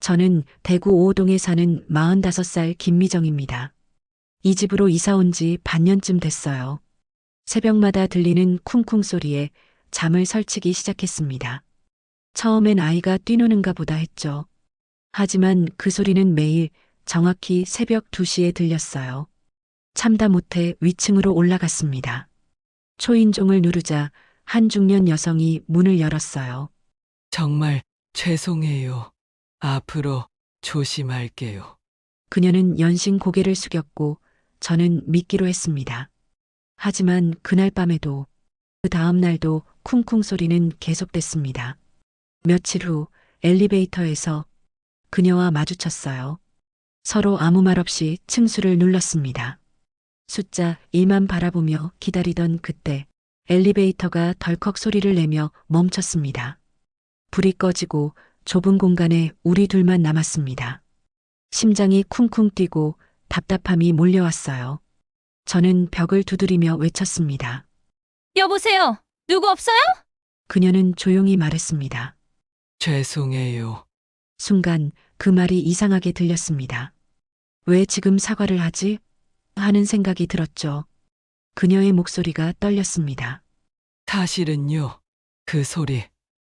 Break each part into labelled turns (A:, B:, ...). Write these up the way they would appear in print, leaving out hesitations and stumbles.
A: 저는 대구 오호동에 사는 45살 김미정입니다. 이 집으로 이사 온 지 반년쯤 됐어요. 새벽마다 들리는 쿵쿵 소리에 잠을 설치기 시작했습니다. 처음엔 아이가 뛰노는가 보다 했죠. 하지만 그 소리는 매일 정확히 새벽 2시에 들렸어요. 참다 못해 위층으로 올라갔습니다. 초인종을 누르자 한 중년 여성이 문을 열었어요.
B: 정말 죄송해요. 앞으로 조심할게요.
A: 그녀는 연신 고개를 숙였고 저는 믿기로 했습니다. 하지만 그날 밤에도 그 다음 날도 쿵쿵 소리는 계속됐습니다. 며칠 후 엘리베이터에서 그녀와 마주쳤어요. 서로 아무 말 없이 층수를 눌렀습니다. 숫자 1만 바라보며 기다리던 그때 엘리베이터가 덜컥 소리를 내며 멈췄습니다. 불이 꺼지고 좁은 공간에 우리 둘만 남았습니다. 심장이 쿵쿵 뛰고 답답함이 몰려왔어요. 저는 벽을 두드리며 외쳤습니다.
C: 여보세요? 누구 없어요?
A: 그녀는 조용히 말했습니다.
B: 죄송해요.
A: 순간 그 말이 이상하게 들렸습니다. 왜 지금 사과를 하지? 하는 생각이 들었죠. 그녀의 목소리가 떨렸습니다.
B: 사실은요, 그 소리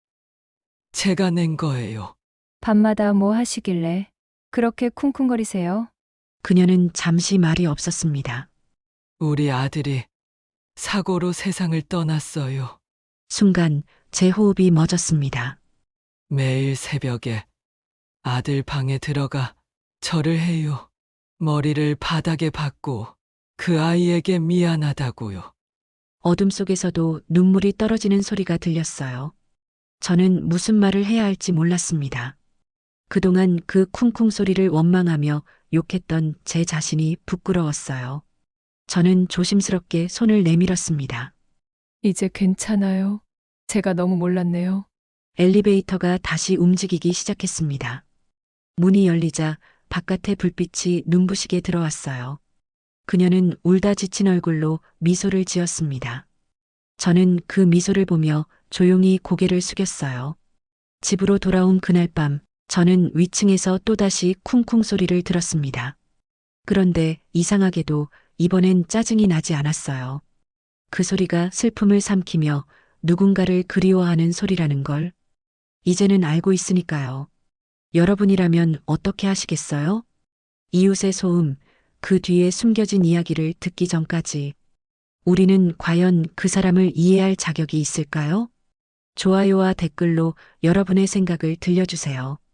B: 제가 낸 거예요.
C: 밤마다 뭐 하시길래 그렇게 쿵쿵거리세요?
A: 그녀는 잠시 말이 없었습니다.
B: 우리 아들이 사고로 세상을 떠났어요.
A: 순간 제 호흡이 멎었습니다.
B: 매일 새벽에 아들 방에 들어가 절을 해요. 머리를 바닥에 박고 그 아이에게 미안하다고요.
A: 어둠 속에서도 눈물이 떨어지는 소리가 들렸어요. 저는 무슨 말을 해야 할지 몰랐습니다. 그동안 그 쿵쿵 소리를 원망하며 욕했던 제 자신이 부끄러웠어요. 저는 조심스럽게 손을 내밀었습니다.
C: 이제 괜찮아요. 제가 너무 몰랐네요.
A: 엘리베이터가 다시 움직이기 시작했습니다. 문이 열리자 바깥의 불빛이 눈부시게 들어왔어요. 그녀는 울다 지친 얼굴로 미소를 지었습니다. 저는 그 미소를 보며 조용히 고개를 숙였어요. 집으로 돌아온 그날 밤, 저는 위층에서 또다시 쿵쿵 소리를 들었습니다. 그런데 이상하게도 이번엔 짜증이 나지 않았어요. 그 소리가 슬픔을 삼키며 누군가를 그리워하는 소리라는 걸 이제는 알고 있으니까요. 여러분이라면 어떻게 하시겠어요? 이웃의 소음, 그 뒤에 숨겨진 이야기를 듣기 전까지 우리는 과연 그 사람을 이해할 자격이 있을까요? 좋아요와 댓글로 여러분의 생각을 들려주세요.